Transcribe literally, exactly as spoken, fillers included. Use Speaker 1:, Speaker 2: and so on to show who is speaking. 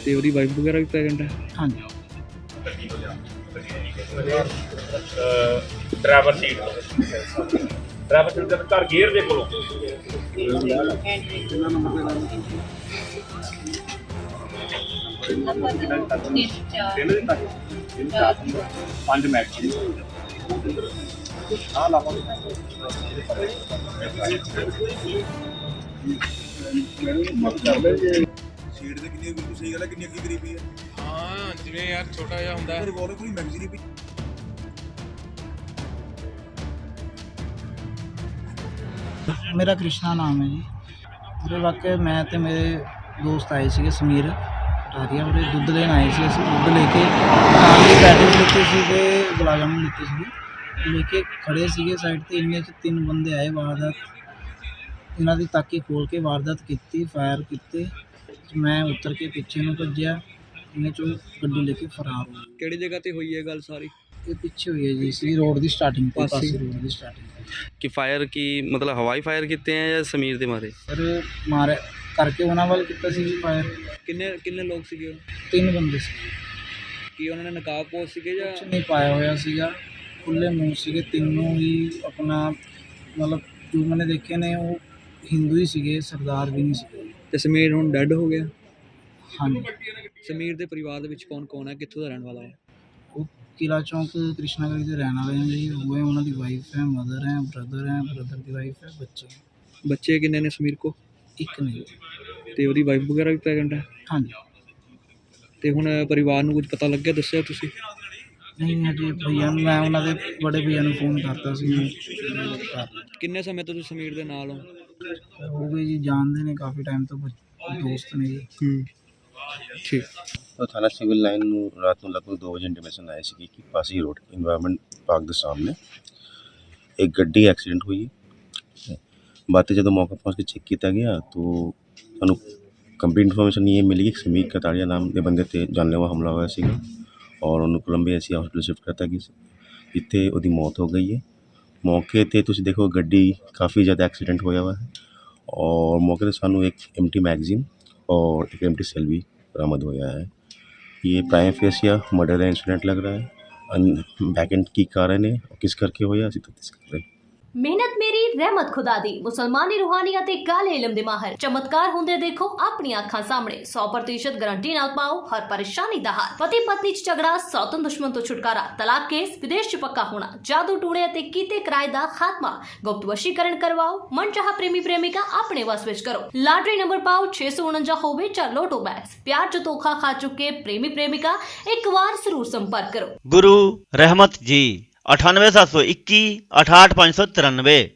Speaker 1: ਤੇ ਉਹਦੀ ਵਾਈਫ ਵਗੈਰਾ ਵੀ ਪ੍ਰੈਗਨੈਂਟ ਹੈ?
Speaker 2: ਹਾਂਜੀ।
Speaker 3: ड्राइवर सीट ड्राइवर सीट ਦੇ ਘਰ ਗੇਅਰ ਦੇ ਕੋਲੋਂ ਪੰਜ ਮੈਚ ਆ ਲਾਵਾ
Speaker 4: ਸੀਟ ਤੇ ਕਿੰਨੀ ਬਿਲਕੁਲ ਸਹੀ ਗੱਲ ਹੈ, ਕਿੰਨੀ ਅੱਗੀ ਗਰੀਬੀ ਹੈ।
Speaker 5: ਹਾਂ ਜਿਵੇਂ ਯਾਰ ਛੋਟਾ ਜਿਹਾ ਹੁੰਦਾ ਹੈ
Speaker 4: ਰਿਵੋਲਵਰ ਕੋਈ ਮੈਗਜ਼ੀਨ ਵੀ
Speaker 2: ਮੇਰਾ ਕ੍ਰਿਸ਼ਨਾ ਨਾਮ ਹੈ ਜੀ। ਉਹਦੇ ਵਾਕਿਆ ਮੈਂ ਤੇ ਮੇਰੇ ਦੋਸਤ ਆਏ ਸੀਗੇ ਸਮੀਰ ਟਾਰੀਆ, ਉਹਦੇ ਦੁੱਧ ਲੈਣ ਆਏ ਸੀ। ਅਸੀਂ ਦੁੱਧ ਲੈ ਕੇ ਨਾਲ ਦੀ ਪੈਟਿਸ ਲਿੱਤੇ ਸੀ ਅਤੇ ਗੁਲਾਬ ਜਾਮੁਨ ਲਿੱਤੇ ਸੀਗੇ, ਲੈ ਕੇ ਖੜ੍ਹੇ ਸੀਗੇ ਸਾਈਡ 'ਤੇ। ਇੰਨੇ 'ਚ ਤਿੰਨ ਬੰਦੇ ਆਏ, ਵਾਰਦਾਤ ਇਹਨਾਂ ਦੀ ਤਾਕੀ ਖੋਲ੍ਹ ਕੇ ਵਾਰਦਾਤ ਕੀਤੀ, ਫਾਇਰ ਕੀਤੇ। ਮੈਂ ਉੱਤਰ ਕੇ ਪਿੱਛੇ ਨੂੰ ਭੱਜਿਆ, ਇੰਨੇ 'ਚੋਂ ਗੱਡੀ ਲੈ ਕੇ ਫਰਾਰ ਹੋ ਗਏ।
Speaker 1: ਕਿਹੜੀ ਜਗ੍ਹਾ ਤੇ ਹੋਈ ਹੈ ਗੱਲ ਸਾਰੀ?
Speaker 2: ਇਹ ਪਿੱਛੇ ਹੋਈ ਹੈ ਜੀ, ਸੀ ਰੋਡ ਦੀ ਸਟਾਰਟਿੰਗ 'ਤੇ,
Speaker 1: ਪਾਸੇ।
Speaker 2: ਪਾਸੇ ਰੋਡ ਦੀ ਸਟਾਰਟਿੰਗ 'ਤੇ।
Speaker 6: ਕਿ ਫਾਇਰ ਕੀ ਮਤਲਬ ਹਵਾਈ ਫਾਇਰ ਕੀਤੇ ਆ ਜਾਂ ਸਮੀਰ ਦੇ ਮਾਰੇ?
Speaker 2: ਫਿਰ ਮਾਰਿਆ ਕਰਕੇ ਉਹਨਾਂ ਵੱਲ ਕੀਤਾ ਸੀ ਜੀ ਫਾਇਰ।
Speaker 1: ਕਿੰਨੇ ਕਿੰਨੇ ਲੋਕ ਸੀਗੇ ਉਹ?
Speaker 2: ਤਿੰਨ ਬੰਦੇ ਸੀ,
Speaker 1: ਕੀ ਉਹਨਾਂ ਨੇ ਨਕਾਬ ਪੋਸ਼ ਸੀਗੇ ਜਾਂ?
Speaker 2: ਕੁਛ ਨਹੀਂ ਪਾਇਆ ਹੋਇਆ ਸੀਗਾ, ਖੁੱਲ੍ਹੇ ਮੂੰਹ ਸੀਗੇ ਤਿੰਨੋਂ ਹੀ। ਆਪਣਾ ਮਤਲਬ ਜੋ ਮੈंने ਦੇਖੇ ਨੇ ਉਹ ਹਿੰਦੂ ਹੀ ਸੀਗੇ, ਸਰਦਾਰ ਵੀ ਨਹੀਂ ਸੀਗੇ।
Speaker 1: ਤੇ ਸਮੀਰ ਹੁਣ ਡੈੱਡ ਹੋ ਗਿਆ?
Speaker 2: ਹਾਂਜੀ।
Speaker 1: ਸਮੀਰ ਦੇ ਪਰਿਵਾਰ ਦੇ ਵਿੱਚ ਕੌਣ ਕੌਣ ਹੈ, ਕਿੱਥੋਂ ਦਾ ਰਹਿਣ ਵਾਲਾ ਹੈ?
Speaker 2: ਉਹ ਕਿਲਾ ਚੌਂਕ ਕ੍ਰਿਸ਼ਨਾ ਗਲੀ ਦੇ ਰਹਿਣ ਵਾਲੇ ਨੇ ਜੀ। ਉਹ ਹੈ, ਉਹਨਾਂ ਦੀ ਵਾਈਫ ਹੈ, ਮਦਰ ਹੈ, ਬ੍ਰਦਰ ਹੈ, ਬ੍ਰਦਰ ਦੀ ਵਾਈਫ ਹੈ, ਬੱਚੇ।
Speaker 1: ਬੱਚੇ ਕਿੰਨੇ ਨੇ ਸਮੀਰ ਕੋ?
Speaker 2: ਇੱਕ ਨਹੀਂ।
Speaker 1: ਤੇ ਉਹਦੀ ਵਾਈਫ ਵਗੈਰਾ ਵੀ ਪ੍ਰੈਗਨੈਂਟ ਹੈ?
Speaker 2: ਹਾਂਜੀ।
Speaker 1: ਤੇ ਹੁਣ ਪਰਿਵਾਰ ਨੂੰ ਕੁਝ ਪਤਾ ਲੱਗਿਆ, ਦੱਸਿਆ ਤੁਸੀਂ?
Speaker 2: ਨਹੀਂ ਹਜੇ ਭਈਆ ਨੂੰ, ਮੈਂ ਉਹਨਾਂ ਦੇ ਬੜੇ ਭਈਆ ਨੂੰ ਫੋਨ ਕਰਤਾ ਸੀ।
Speaker 1: ਕਿੰਨੇ ਸਮੇਂ ਤੋਂ ਤੁਸੀਂ ਸਮੀਰ ਦੇ ਨਾਲ ਹੋ?
Speaker 2: ਹੋ ਗਏ ਜੀ, ਜਾਣਦੇ ਨੇ ਕਾਫੀ ਟਾਈਮ ਤੋਂ, ਦੋਸਤ ਨੇ ਜੀ।
Speaker 1: ਹੂੰ, ਠੀਕ।
Speaker 7: तो थाना सिविल लाइन ਨੂੰ ਰਾਤ ਨੂੰ ਲਗਭਗ ਦੋ ਵਜੇ ਇੰਟੀਮੇਸ਼ਨ ਆਈ ਸੀ ਕਿ ਪਾਸੀ ਰੋਡ ਇਨਵਾਇਰਨਮੈਂਟ ਪਾਰਕ ਦੇ ਸਾਹਮਣੇ ਇੱਕ ਗੱਡੀ ਐਕਸੀਡੈਂਟ ਹੋਈ ਹੈ। ਬਾਅਦ 'ਚ ਜਦੋਂ ਮੌਕੇ ਪਹੁੰਚ ਕੇ ਚੈੱਕ ਕੀਤਾ ਗਿਆ ਤਾਂ ਸਾਨੂੰ ਕੰਪਲੀਟ ਇਨਫੋਰਮੇਸ਼ਨ ਇਹ ਮਿਲੀ ਕਿ ਸਮੀਰ ਕਤਾੜੀਆ ਨਾਮ ਦੇ ਬੰਦੇ 'ਤੇ ਜਾਨਲੇਵਾ ਹਮਲਾ ਹੋਇਆ ਸੀਗਾ ਔਰ ਉਹਨੂੰ ਕੋਲੰਬੀਆ ਐਸੀ ਹਸਪੀਟਲ ਸ਼ਿਫਟ ਕਰਤਾ ਗਿਆ ਸੀ, ਜਿੱਥੇ ਉਹਦੀ ਮੌਤ ਹੋ ਗਈ ਹੈ। ਮੌਕੇ 'ਤੇ ਤੁਸੀਂ ਦੇਖੋ ਗੱਡੀ ਕਾफ़ੀ ਜ਼ਿਆਦਾ ਐਕਸੀਡੈਂਟ ਹੋਇਆ ਵਾ ਹੈ ਔਰ ਮੌਕੇ 'ਤੇ ਸਾਨੂੰ ਇੱਕ एम्प्टी मैगजीन और एक एम्प्टी सेल भी बरामद होया है। ये प्राइम फेस या मर्डर का इंसिडेंट लग रहा है। बैक एंड की कारण है और किस करके होया ਅਸੀਂ ਤਫਤੀਸ਼ ਕਰ ਰਹੇ।
Speaker 8: ਮਿਹਨਤ ਮੇਰੀ ਰਹਿਮਤ ਖੁਦਾ ਦੀ। ਮੁਸਲਮਾਨੀ ਰੂਹਾਨੀ ਅਤੇ ਕਾਲੇ ਇਲਮ ਦੇ ਮਾਹਰ ਚਮਤਕਾਰ ਹੁੰਦੇ ਦੇਖੋ ਆਪਣੀਆਂ ਅੱਖਾਂ ਸਾਹਮਣੇ। ਸੌ ਪ੍ਰਤੀਸ਼ਤ ਗਾਰੰਟੀ ਨਾਲ ਪਾਓ ਹਰ ਪਰੇਸ਼ਾਨੀ ਦਾ ਹੱਲ। ਪਤੀ ਪਤਨੀ ਚ ਝਗੜਾ, ਸੌਤਨ ਦੁਸ਼ਮਣ ਤੋਂ ਛੁਟਕਾਰਾ, ਤਲਾਕ ਕੇਸ, ਵਿਦੇਸ਼ ਚ ਪੱਕਾ ਹੋਣਾ, ਜਾਦੂ ਟੂਣੇ ਅਤੇ ਕੀਤੇ ਕਿਰਾਏ ਦਾ ਖਾਤਮਾ, ਗੁਪਤ ਵਸ਼ੀਕਰਨ ਕਰਵਾਓ, ਮਨਚਾਹਾ ਪ੍ਰੇਮੀ ਪ੍ਰੇਮਿਕਾ ਆਪਣੇ ਵਸ ਵਿੱਚ ਕਰੋ। ਲਾਟਰੀ ਨੰਬਰ ਪਾਓ ਛੇ ਸੌ ਉਣੰਜਾ ਹੋਵੇ ਜਾਂ ਲੋਟੋ ਬੈਗਸ। ਪਿਆਰ ਚ ਧੋਖਾ ਖਾ ਚੁੱਕੇ ਪ੍ਰੇਮੀ ਪ੍ਰੇਮਿਕਾ ਇੱਕ ਵਾਰ ਜ਼ਰੂਰ ਸੰਪਰਕ ਕਰੋ।
Speaker 9: गुरु रहमत जी अठानवे सात सौ इक्की अठाठ पाँच सौ तिरानवे।